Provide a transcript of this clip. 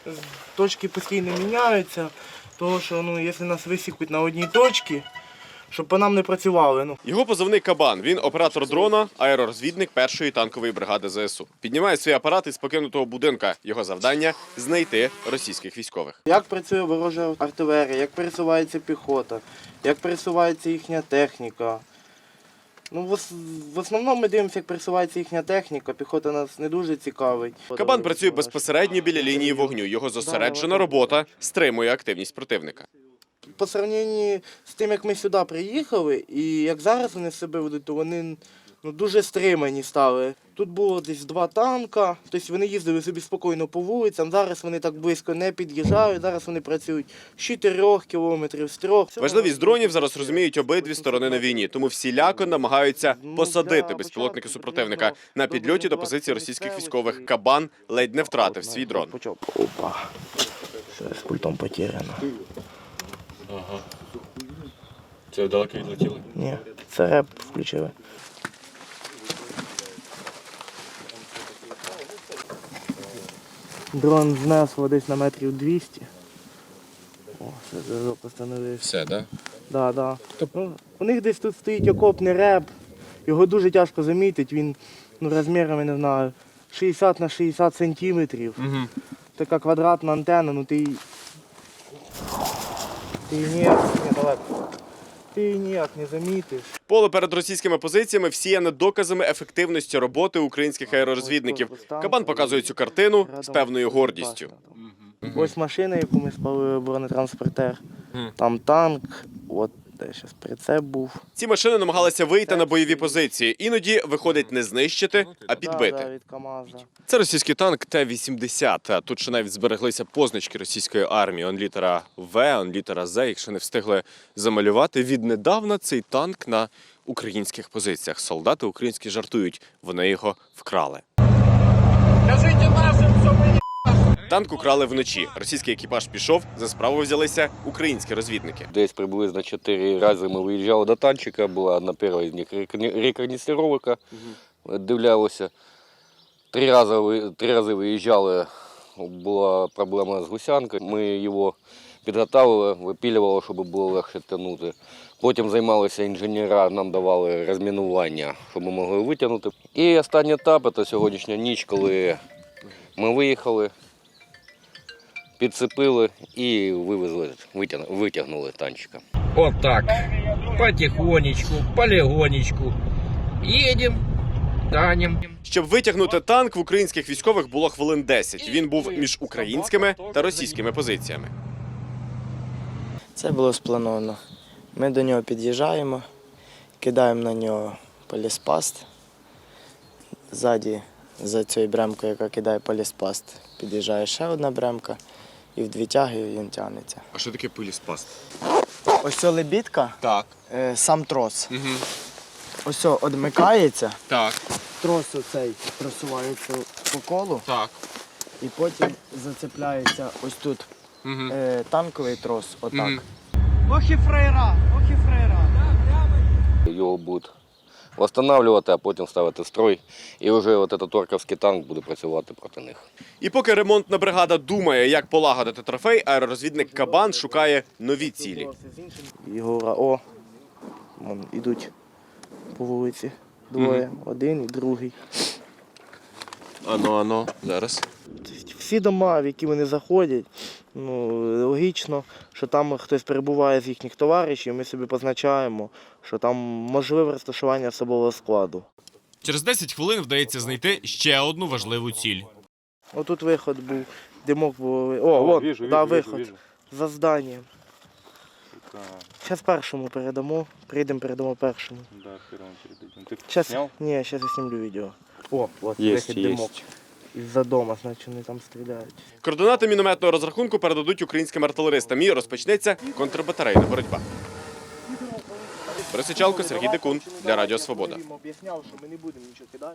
точки постійно міняються, тому що якщо нас висікуть на одній точці, щоб по нам не працювали. Його позивний «Кабан». Він оператор дрона, аеророзвідник 1-ї танкової бригади ЗСУ. Піднімає свій апарат із покинутого будинка. Його завдання – знайти російських військових. Як працює ворожа артилерія, як пересувається піхота, як пересувається їхня техніка. В основному ми дивимося, як пересувається їхня техніка, піхота нас не дуже цікавить. «Кабан» працює безпосередньо біля лінії вогню. Його зосереджена робота стримує активність противника. По порівнянні з тим, як ми сюди приїхали, і як зараз вони себе ведуть, то вони дуже стримані стали. Тут було десь 2 танка, тобто вони їздили собі спокійно по вулицям, зараз вони так близько не під'їжджають, зараз вони працюють з 4 кілометрів, з 3. Важливість дронів зараз розуміють обидві сторони на війні, тому всіляко намагаються посадити безпілотники супротивника. На підльоті до позиції російських військових «Кабан» ледь не втратив свій дрон. Опа, все, з пультом потеряно. Ага. Це далеко відлетіли? Ні, це реп включили. Дрон знесло десь на метрів 200. О, все, зв'язок постановився. Все, так? Да, да. У них десь тут стоїть окопний реп. Його дуже тяжко замітити. Він розмірами, не знаю, 60 на 60 сантиметрів. Угу. Така квадратна антенна, ти її ніяк не замітиш. Поле перед російськими позиціями всіяне доказами ефективності роботи українських аеророзвідників. «Кабан» показує цю картину з певною гордістю. Ось машина, яку ми спалили, бронетранспортер. Там танк, от де зараз прицеп був. Ці машини намагалися вийти на бойові позиції. Іноді виходить не знищити, а підбити. Від КамАЗа. Це російський танк Т-80. Тут ще навіть збереглися позначки російської армії. Он літера В, он літера З, якщо не встигли замалювати. Віднедавна цей танк на українських позиціях. Солдати українські жартують, вони його вкрали. Танк украли вночі. Російський екіпаж пішов, за справу взялися українські розвідники. Десь приблизно 4 рази ми виїжджали до танчика, була одна перша з них рекогносцировка, дивлялися. 3 рази виїжджали, була проблема з гусянкою. Ми його підготовили, випілювали, щоб було легше тягнути. Потім займалися інженери, нам давали розмінування, щоб ми могли витягнути. І останній етап – це сьогоднішня ніч, коли ми виїхали, підцепили і вивезли, витягнули танчика. Вот так, потихонечку, полегонечку, едем, танем. Щоб витягнути танк, в українських військових було хвилин 10. Він був між українськими та російськими позиціями. Це було сплановано. Ми до нього під'їжджаємо, кидаємо на нього поліспаст. Ззаді, за цією бремкою, яка кидає поліспаст, під'їжджає ще одна бремка і в 2 тяги він тягнеться. А що таке поліспаст? Ось ця лебідка, Так. сам трос. Угу. Ось ця одмикається, Так. трос оцей просувається по колу Так. і потім зацепляється ось тут танковий трос, отак. Ох і фрейра, ох і фрейра. Його будуть встановлювати, а потім ставити в строй. І вже от цей торковський танк буде працювати проти них. І поки ремонтна бригада думає, як полагодити трофей, аеророзвідник «Кабан» шукає нові цілі. Єгора, вон ідуть по вулиці. Двоє, один і другий. Ано, зараз. Всі дома, в які вони заходять, логічно, що там хтось перебуває з їхніх товаришів, ми собі позначаємо, що там можливе розташування особового складу. Через 10 хвилин вдається знайти ще одну важливу ціль. Отут виход був, димок був. Виход. За зданням. Зараз першому передамо, передамо першому. Ні, зараз я знімлю відео. Вихід димок. Із-за дома, значить, вони там стріляють. Координати мінометного розрахунку передадуть українським артилеристам і розпочнеться контрбатарейна боротьба. Борис Сичалко, Сергій Декун для Радіо Свобода.